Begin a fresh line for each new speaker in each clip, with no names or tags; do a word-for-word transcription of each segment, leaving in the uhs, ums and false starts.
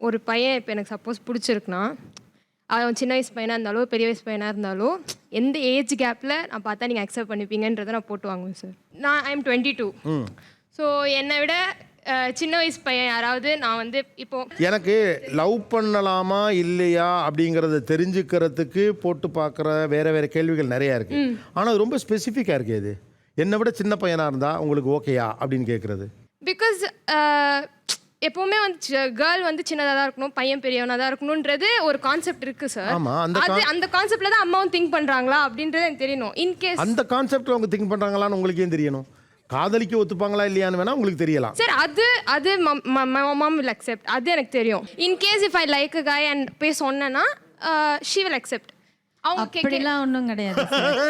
ஒரு பையன் இப்போ எனக்கு சப்போஸ் பிடிச்சிருக்குன்னா அவன் சின்ன வயசு பையனாக இருந்தாலும் பெரிய வயசு பையனாக இருந்தாலும் எந்த ஏஜ் கேப்பில் நான் பார்த்தா நீங்கள் அக்செப்ட் பண்ணிப்பீங்கன்றதை நான் போட்டு வாங்குவேன் சார். நான் I am twenty two so என்னை விட சின்ன வயசு பையன் யாராவது நான் வந்து இப்போ
எனக்கு லவ் பண்ணலாமா இல்லையா அப்படிங்கிறத தெரிஞ்சுக்கிறதுக்கு போட்டு பார்க்குற வேற வேற கேள்விகள் நிறையா இருக்கு. ஆனால் அது ரொம்ப ஸ்பெசிஃபிக்காக இருக்கு. இது என்னை விட சின்ன பையனாக இருந்தால் உங்களுக்கு ஓகேயா அப்படின்னு கேட்குறது.
பிகாஸ் எப்பவுமே வந்து கேர்ள் வந்து சின்னதாக தான் இருக்கணும், பையன் பெரியவனாக தான் இருக்கணுன்றது ஒரு கான்செப்ட் இருக்கு சார்.
ஆமாம், அந்த
அது அந்த கான்செப்ட்ல தான் அம்மாவும் திங்க் பண்ணுறாங்களா அப்படின்றது எனக்கு தெரியணும். இன்கேஸ்
அந்த கான்செப்டில் அவங்க திங்க் பண்ணுறாங்களான்னு உங்களுக்கு ஏன் தெரியணும்? காதலிக்க ஒத்துப்பாங்களா இல்லையான்னு வேணா உங்களுக்கு தெரியலாம்
சார். அது அது மாம் வில் அக்செப்ட், அது எனக்கு தெரியும். In case if I like a guy and போய் சொன்னேன்னா ஷீ வில் அக்செப்ட். அவங்க
அப்படிலாம் ஒன்றும் கிடையாது.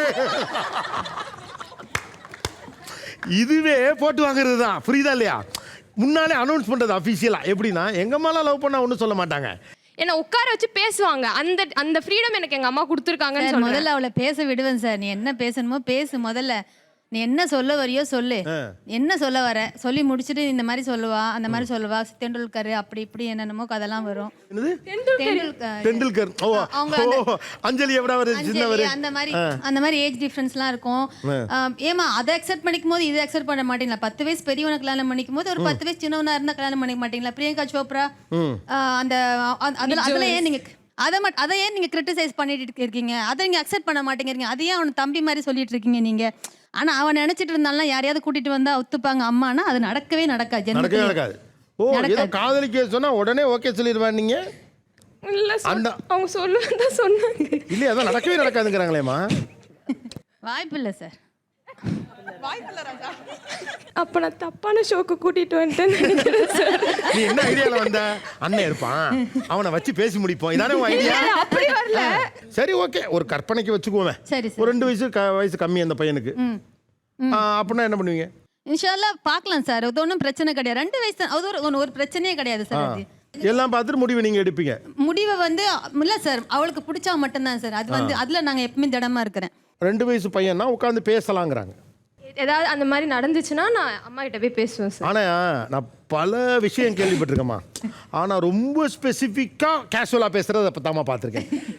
இதுவே போட்டு வாங்குறது தான், புரியுதா இல்லையா? முன்னாலே அனௌன்ஸ் பண்ணுறது அஃபிஷியலாக. எப்படின்னா எங்கள் அம்மாலாம் லவ் பண்ணால் ஒன்றும் சொல்ல மாட்டாங்க,
என்ன உட்கார வச்சு பேசுவாங்க. அந்த அந்த ஃப்ரீடம் எனக்கு எங்கள் அம்மா கொடுத்துருக்காங்கன்னு சொல்லுவேன்.
முதல்ல அவளை பேச விடுவேன் சார். நீ என்ன பேசணுமோ பேசு. முதல்ல நீ என்ன சொல்ல வரையோ சொல்லு. என்ன சொல்ல வர சொல்லி முடிச்சுட்டு இந்த மாதிரி சொல்லுவா அந்த மாதிரி சொல்லுவா. தெண்டுல்கர் அப்படி இப்படி என்னென்னமோ கதெல்லாம் வரும்.
தெண்டுல்கர் அஞ்சலி
அந்த மாதிரி அந்த மாதிரி ஏஜ் டிஃபரன்ஸ்லாம் இருக்கும். ஏமா அதை அக்செப்ட் பண்ணிக்கும் போது இதை அக்செப்ட் பண்ண மாட்டீங்களா? பத்து வயசு பெரியவனை கல்யாணம் பண்ணிக்கும் போது ஒரு பத்து வயசு சின்னவனா இருந்தா கல்யாணம் பண்ணிக்க மாட்டீங்களா? பிரியங்கா சோப்ரா அந்த அதுல ஏன் நீங்க அதை மட்டும் அதை ஏன் நீங்க கிரிட்டிசைஸ் பண்ணிட்டு இருக்கீங்க? அதை நீங்க அக்செப்ட் பண்ண மாட்டேங்கிறீங்க. அதையே அவன் தம்பி மாதிரி சொல்லிட்டு இருக்கீங்க நீங்க. ஆனா அவன் நினைச்சிட்டு இருந்தாலும் யாரையாவது கூட்டிட்டு வந்தா ஒத்துப்பாங்க அம்மானா அது நடக்கவே நடக்காது.
நடக்கவே நடக்காது. ஓ ஏதோ காதலிக்க சொன்னா உடனே ஓகே சொல்லிடுவாங்க நீங்க?
இல்ல அந்த அவங்க சொல்லுவதா சொன்னாங்க.
இல்ல அதான் நடக்கவே நடக்காதுங்கறாங்களேமா.
வாய்ப்பு இல்ல சார்.
வாய்ப்பு இல்ல ராஜா. அப்ப நான் தப்பான ஷோக்கு கூட்டிட்டு வந்துட்டேன்னு நினைக்கிறேன் சார்.
நீ என்ன ஐடியால வந்த? அண்ணன் இருப்பான், அவனை வச்சு பேசி முடிப்போம், இதானே உன் ஐடியா?
அப்படி வரல.
சரி ஓகே, ஒரு கற்பனைக்கு வச்சுக்குவோமே.
சரி
ஒரு ரெண்டு வயசு வயசு கம்மி அந்த பையனுக்கு. அப்படின்னா என்ன பண்ணுவீங்க?
இன்ஷால்லா பார்க்கலாம் சார். அது ஒன்றும் பிரச்சனை கிடையாது. ரெண்டு வயசு அது ஒரு ஒரு பிரச்சனையே கிடையாது சார். அது
எல்லாம் பார்த்துட்டு முடிவு நீங்க எடுப்பீங்க.
முடிவை வந்து இல்ல சார், அவளுக்கு பிடிச்சா மட்டும்தான் சார். அது வந்து அதுல நாங்க எப்பவுமே திடமா இருக்கிறேன்.
ரெண்டு வயசு பையனா உட்காந்து பேசலாங்கிறாங்க.
ஏதாவது அந்த மாதிரி நடந்துச்சுன்னா நான் அம்மா கிட்ட போய் பேசுவேன் சார்.
ஆனா நான் பல விஷயம் கேள்விப்பட்டிருக்கேம்மா, ஆனா ரொம்ப ஸ்பெசிஃபிக்கா கேஷுவலா பேசுறது அப்பதாம்மா பார்த்திருக்கேன்.